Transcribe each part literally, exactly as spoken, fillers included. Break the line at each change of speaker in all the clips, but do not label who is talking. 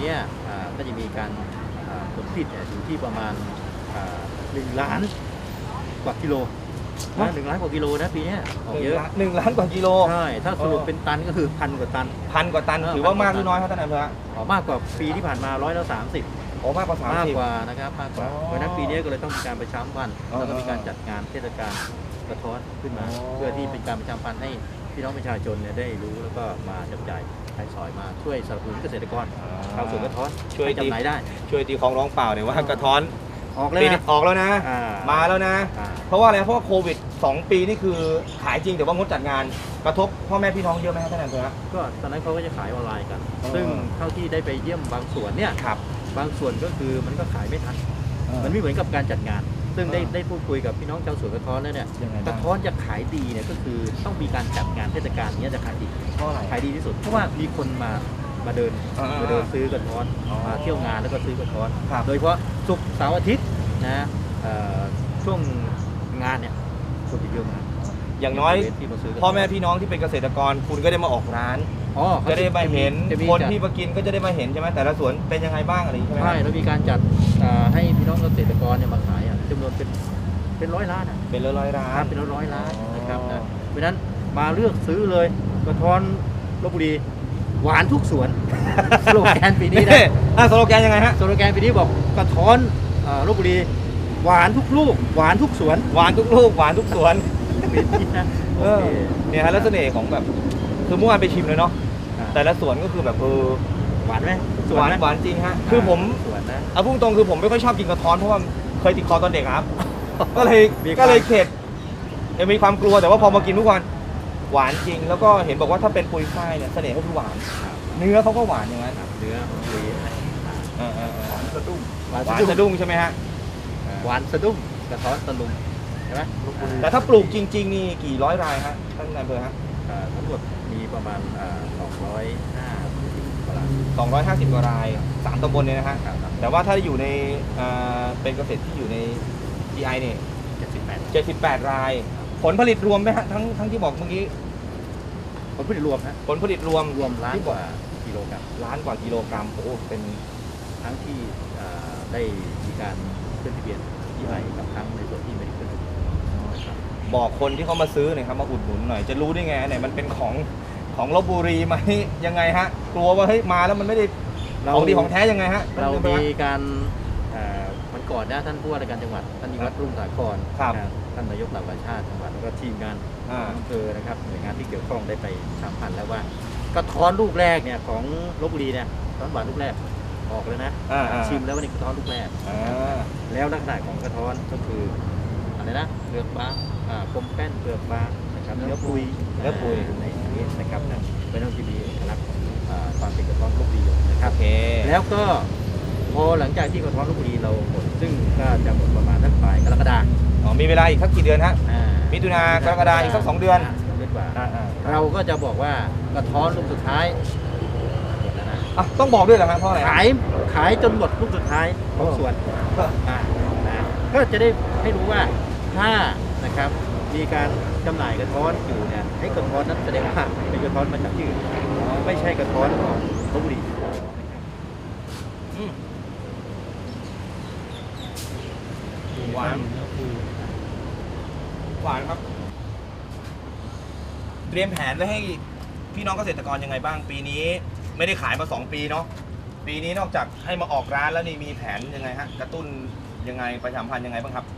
นี้ก็จะมีการผลผลิตอยู่ที่ประมาณหนึ่งล้านกว่ากิโลนะหนึ่งล้านกว่ากิโลนะปีนี้ออกเยอะ
หนึ่งล้านกว่ากิโล
ใช่ถ้าสรุปเป็นตันก็คือพันกว่าตัน
พันกว่าตันถือว่ามากหรือน้อยครับท่านนายอำเภอ
มากกว่าปีที่ผ่านมาร้อยละสามสิบ
โอ้มากกว่าสามสิบ
มากกว่านะครับมากกว่าเพราะนั้นปีนี้ก็เลยต้องมีการประชาสัมพันธ์แล้วก็มีการจัดงานเทศกาลกระท้อนขึ้นมาเพื่อที่เป็นการประชาสัมพันธ์ให้พี่น้องประชาชนเนี่ยได้รู้แล้วก็มาจับจ่ายใช้สอยมาช่วยสนับสนุนเกษตรกรชาวสวนกระท้อนช่วยจำหน่ายได้
ช่วยตีของร้องเปล่าเนี่ยว่ากระท้อน
ออกแล้วนะ
ออกแล้วนะมาแล้วนะเพราะว่าอะไรเพราะว่าโควิดสองปีนี่คือขายจริงแต่ว่างดจัดงานกระทบพ่อแม่พี่น้องเยอะไหมครับท่านนายอำเภอ
ก็ตอนนั้นเขาก็จะขายออนไลน์กันซึ่งเท่าที่ได้ไปเยี่ยมบางส่วนเนี่ยบางส่วนก็คือมันก็ขายไม่ทันมันไม่เหมือนกับการจัดงานซึ่งได้ได้พูดคุยกับพี่น้องชาวสวนกระท้อนแล้วเนี่ยกระท้อนจะขายดีเนี่ยก็คือต้องมีการจัดงานเทศกาลนี้จะขายดี
เพราะอะไร
ขายดีที่สุดเพราะว่ามีคนมามาเดินมาเดินซื้อกระท้อนมาเที่ยวงานแล้วก็ซื้อกระท้อนโดยเฉพาะศุกร์เสาร์อาทิตย์นะช่วงงานเนี่ยคนเยอะมาก
อย่างน้อยพ่อแม่พี่น้องที่เป็นเกษตรกรคุณก็ได้มาออกร้านจะได้มาเห็นคนที่มากินก็จะได้มาเห็นใช่ไหมแต่ละสวนเป็นยังไงบ้างอะไรใช่ไหม
ใช่แล้วมีการจัดให้พี่น้องเกษตรกรเนี่ยมาขายจำนวนเป็นเป็นร้อยล้านอ่ะ
เป็นร้อยร้อยล้าน
เป็นร้อยร้อยล้านนะครับนะเพราะฉะนั้นมาเลือกซื้อเลยกระท้อนลพบุรีหวานทุกสวนสโลแกนปีนี้นะ
สโลแกนยังไงฮะ
สโลแกนปีนี้บอกกระท้อนลพบุรีหวานทุกลูกหวานทุกสวน
หวานทุกลูกหวานทุกสวนเนี่ยฮะแล้วเสน่ห์ของแบบคือเมื่อวานไปชิมเลยเนาะแต่ละสวนก็คือแบบเออ
หวานไหม
หวานหวานจริงฮะคือผมเอาพุ่งตรงคือผมไม่ค่อยชอบกินกระท้อนเพราะว่าเคยติดคอตอนเด็กครับก็เลยก็เลยเข็ดมีความกลัวแต่ว่าพอมากินทุกวันหวานจริงแล้วก็เห็นบอกว่าถ้าเป็นปุยฝ้ายเนี่ยเสน่ห์ก็คือหวานเนื้อเขาก็หวานอย่างนั้น
เนื้อปุย
หวานสะดุ้งหวานสะดุ้งใช่ไหมฮะ
หวานสะดุ้งกระท้อนตะลุงใช่ไหม
แต่ถ้าปลูกจริงๆนี่กี่ร้อยรายฮะท่านนายอำเภอฮะ
ทั้งหมดมีประมาณสองร้อยห้าสิบกว่าราย
สองร้อยห้าสิบกว่ารายสามตำบลเนี่ยนะฮะแต่ว่าถ้าอยู่ในเป็นเกษตรที่อยู่ใน จี ไอ เนี่ย
เจ็ดสิบแปด
เจ็ดสิบแปดรายผลผลิตรวมไหมฮะทั้งทั้งที่บอกเมื่อกี้
ผลผลิตรวมฮะ
ผลผลิตรวม
รวมล้านกว่ากิโลกรัม
ล้านกว่ากิโลกรัมโอ้เป็น
ทั้งที่ได้มีการขึ้นทะเบียน จี ไอ กับทั้งในส่วนที่ไม่ได้ขึ้น
บอกคนที่เขามาซื้อหน่อยครับมาอุดหนุนหน่อยจะรู้ได้ไงเนี่ยมันเป็นของของลพบุรีไหมยังไงฮะกลัวว่าเฮ้ยมาแล้วมันไม่ได้ของดีของแท้ยังไงฮะ
เรามีการมันก่อนนะท่านผู้ว่าราชการจังหวัดท่านนิวัฒน์รุ่งสาครท่านนายกเหล่ากาชาติจังหวัดแล้วก็ทีมงานอำเภอนะครับหน่วยงานที่เกี่ยวข้องได้ไปสัมพันธ์แล้วว่ากระท้อนลูกแรกเนี่ยของลพบุรีเนี่ยกระท้อนหวานลูกแรกออกเลยนะชิมแล้ววันนี้กระท้อนลูกแรกแล้วลักษณะของกระท้อนก็คืออะไรนะเปลือกบางกลมแป้นเปลือกบางนะครับเนื้อปุย
เนื้อปุย
ในนี้นะครับเป็นต้องที่มีเอกลักษณ์ของความเป็นกระท้อนลพบุรีนะครับแล้วก็พอหลังจากที่กระท้อนลพบุรีเราหมดซึ่งก็จะหมดประมาณสักปลายกรกฎาคม
อ๋อมีเวลาอีกสักกี่เดือนฮะมิถุนากรกฎาคมอีกสักสองเดือน
กว่าเราก็จะบอกว่ากระท้อนลูกสุดท้ายหมดแล้วนะ
ต้องบอกด้วยเหรอครับเพราะอะไร
ขายขายจนหมดลูกสุดท้ายของสวนก็จะได้ให้รู้ว่าถ้านะครับมีการจำหน่ายกระท้อนอยู่เนี่ยให้กระท้อนนั้นแสดงว่าเป็นกระท้อนมาจากที่อื่นไม่ใช่กระท้อนของลพบุรี
หวานหวานครับเตรียมแผนไว้ให้พี่น้องเกษตรกรยังไงบ้างปีนี้ไม่ได้ขายมาสองปีเนาะปีนี้นอกจากให้มาออกร้านแล้วนี่มีแผนยังไงฮะกระตุ้นยังไงประชาสัมพันธ์ยังไงบ้างครับ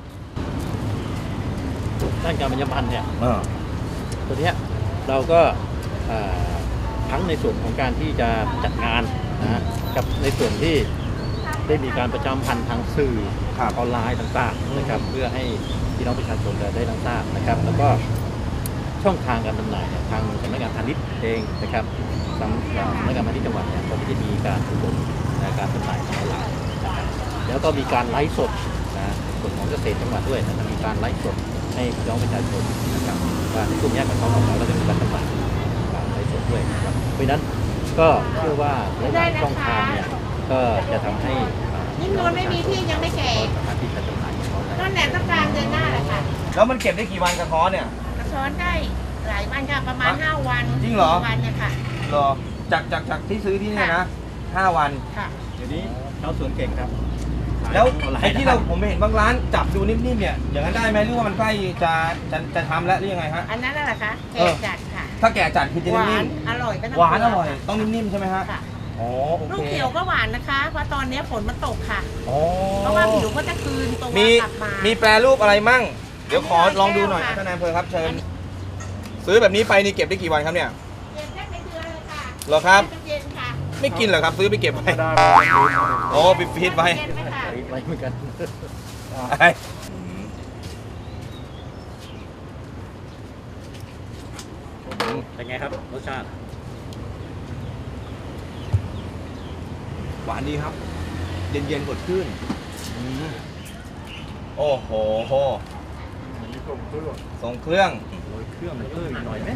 ด้านการประชาสัมพันธ์เนี่ยตัวนี้เราก็ทั้งในส่วนของการที่จะจัดงานนะกับในส่วนที่ได้มีการประชาสัมพันธ์ทางสื่อออนไลน์ต่างๆนะครับเพื่อให้พี่น้องประชาชนได้รับทราบนะครับแล้วก็ช่องทางการจำหน่ายเนี่ยทางสำนักงานพาณิชย์เองนะครับสำนักงานพาณิชย์จังหวัดเนี่ยก็จะมีการอบรมในการจำหน่ายทางออนไลน์นะครับแล้วก็มีการไลฟ์สดนะส่วนของเกษตรจังหวัดด้วยนะมีการไลฟ์สดให้พี่น้องประชาชนนะครับว่าในกลุ่มนี้มันต้องออกมาแล้วก็มีการจำหน่ายการไลฟ์สดด้วยนะครับเพราะฉะนั้นก็เชื่อว่าหลายช่องทางเนี่ยก็จะทำให้
ยิ่งนวลไม่มีที่ยังไม่แก่
สามารถที่จะจำหน่าย
นั่นแหละต้องการเดือนหน้าแหละค่ะ
แล้วมันเก็บได้กี่วันกระท้อนเนี่ย
กระท้อนได้หลายวันค่ะประมาณห้าวัน
จริงเหรอ
วันเนี่ยค่ะ
รอจากจากจากที่ซื้อที่นี่นะห้าวัน
ค่ะ
เดี๋ยวนี้ชาวสวนเก่งครับ
แล้ว
ขาย
ไอ้ที่เรา
ด้
ผมไปเห็นบางร้านจับดูนิ่มๆเนี่ยอย่างนั้นได้ไหมหรือว่ามันใกล้จะจะจะทำแล้วหรือยังไงฮะ
อันนั้นน่ะเหรอคะ
เอ
แก่
อ
จัดค่ะ
ถ้าแก่จัดคือจะ
หวา
นิ่
น
ม
อร่อยก็ต้อง
ๆหวานอร่อย
ค่ะ
ต้องนิ่มๆใช่ไหมฮะ
ค่ะ
อ๋อโอ
ลูก
เค
เขียวก็หวานนะคะ เพราะตอนนี้ฝนมันตกค่ะ
อ๋อ
เพราะว่าผิวก็จะคืนตัว
มี
กลับมา
มีแปรรูปอะไรมั่ง เดี๋ยวขอ
อันนี้
ลองดูหน่อย
แก้วค่ะ
ท่านนายอำเภอครับเชิญ ซื้อแบบนี้ไปนี่เก็บได้กี่วันครับเนี่ย
เย็นได้เป็นเดือนเลยค่ะ
เหรอครับ
เป็นเย็นค่ะ
ไม่กินเหรอครับ ซื้อไปเก็บไว้
ได้
โอ้ไปฟีดไว้
เย็นไหมคะ
ไว้เหมือนกัน เป็นไงครับรสชาติ
หวานดีครับ เย็นๆสดชื่นโอ้โห
มันมีส่งเครื่อง
ทรงเครื่อง
โรยเครื่องเพิ่มอีกหน่อยไหม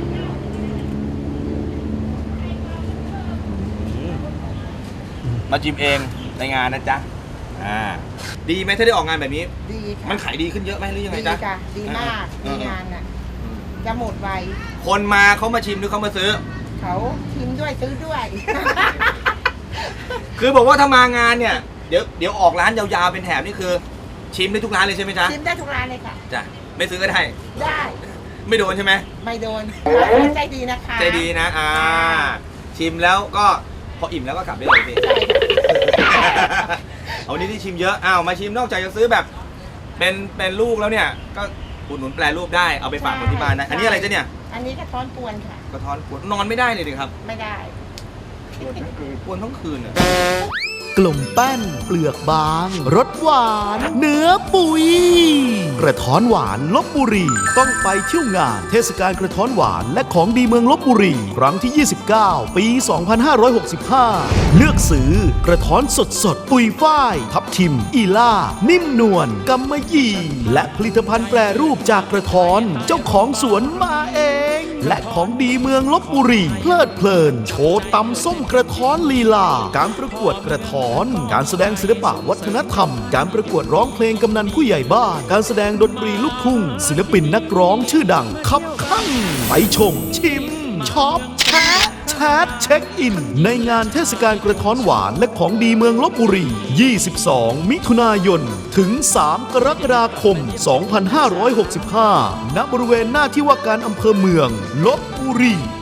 มาจิมเองในงานนะจ๊ะ อ่า ดีไหมถ้าได้ออกงานแบบนี้
ดีค่ะ
มันขายดีขึ้นเยอะไหมหรือยังไง
ดี
จ๊ะ
ค่ะ ดีมาก
เอ
ดี
อ
งานน่ะ จะหมดไว
คนมาเขามาชิมหรือเขามาซื้อ
เขาชิมด้วยซื้อด้วย
คือบอกว่าถ้ามางานเนี่ย เดี๋ยวเดี๋ยวออกร้านยาวๆเป็นแถบนี่คือ ชิมได้ทุกร้านเลยใช่ไหมจ๊ะ
ชิมได้ทุกร้านเลยค่ะ
จ้ะ ไม่ซื้อก็ได้
ได้
ไม่โดนใช่ไหม
ไม่โดนร้านใจดีนะคะ
ใจดีนะ อ่า ชิมแล้วก็พออิ่มแล้วก็กลับได้เลยสิ
ใช่ค่ะ
เอาวันนี้ที่ชิมเยอะ อ้าว มาชิมนอกจากจะซื้อแบบ เป็นเป็นลูกแล้วเนี่ย ก็อุดหนุนแปรรูปได้ เอาไปฝากคนที่บ้านนะ อันนี้อะไรจ๊ะเนี่ย
อันนี้กระท้อนกวนค่ะ
กระท้อนกวนนอนไม่ได้เลยดิครับ
ไม่ได้
กวนทั้งคืนกวนทั้งคืนอ่ะ
กลมแป้นเปลือกบางรสหวาน เนื้อปุย กระท้อนหวานลบบุรี ต้องไปเที่ยวงานเทศกาลกระท้อนหวานและของดีเมืองลบบุรี ครั้งที่ ยี่สิบเก้า ปี สองพันห้าร้อยหกสิบห้า เลือกซื้อกระท้อนสดสดๆปุยฝ้าย ทับทิม อีล่า นิ่มนวลกำมะหยี่ และผลิตภัณฑ์แปรรูปจากกระท้อน เจ้าของสวนมาเอง และของดีเมืองลบบุรี เพลิดเพลิน โชว์ตำส้มกระท้อนลีลา การประกวดกระท้อน การแสดงศิลปะวัฒนธรรม การประกวดร้องเพลงกำนันผู้ใหญ่บ้าน การแสดงดนตรีลูกทุ่ง ศิลปินนักร้องชื่อดังคับข้างไปชม ชิมช็อปแชะแชทเช็คอิน ในงานเทศกาลกระท้อนหวานและของดีเมืองลบบุรี ยี่สิบสอง มิถุนายน ถึง สาม กรกฎาคม สองพันห้าร้อยหกสิบห้า ณ บริเวณหน้าที่ว่าการอำเภอเมืองลบบุรี